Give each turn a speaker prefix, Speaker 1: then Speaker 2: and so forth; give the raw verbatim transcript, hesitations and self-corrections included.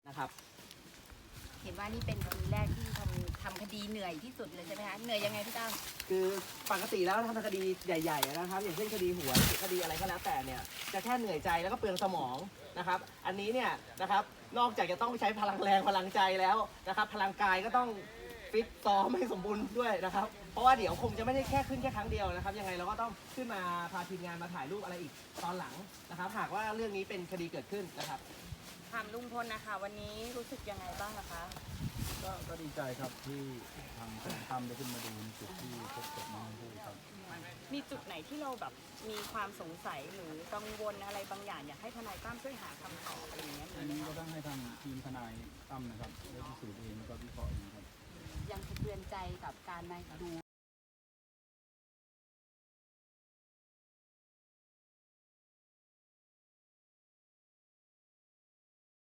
Speaker 1: นะครับ
Speaker 2: เห็นว่านี่เป็นคดีแรกที่ทำทำคดีเหนื่อยที่สุดเลยใช่ไหมคะเหนื่อยยังไงพี่ตั้ม
Speaker 1: คือปกติแล้วทำคดีใหญ่ๆนะครับอย่างเช่นคดีหวยคดีอะไรก็แล้วแต่เนี่ยจะแค่เหนื่อยใจแล้วก็เปลืองสมองนะครับอันนี้เนี่ยนะครับนอกจากจะต้องใช้พลังแรงพลังใจแล้วนะครับพลังกายก็ต้องฟิตซ้อมให้สมบูรณ์ด้วยนะครับเพราะว่าเดี๋ยวคงจะไม่ได้แค่ขึ้นแค่ครั้งเดียวนะครับยังไงเราก็ต้องขึ้นมาพาทีมงานมาถ่ายรูปอะไรอีกตอนหลังนะครับหากว่าเรื่องนี้เป็นคดีเกิดขึ้นนะครับ
Speaker 2: ถามลุงพลนะคะวันนี้รู้สึกยังไงบ้างนะคะ
Speaker 3: ก็ก็ดีใจครับที่ทางทนายตั้มได้ขึ้นมาดูในจุดที่พบศพน้องชมพู่ครับ
Speaker 2: มีจุดไหนที่เราแบบมีความสงสัยหรือกังวลอะไรบางอย่างอยากให้ทนายตั้มช่วยหาคำตอบอะไรอย่างเงี้ย
Speaker 3: อันนี้ก็ต้องให้ทางทีมทนายตั้มนะครับได้พิสูจน์เองแล้วก็วิเคราะห์เองครับ
Speaker 4: ยังสะเทือนใจกับการมาดู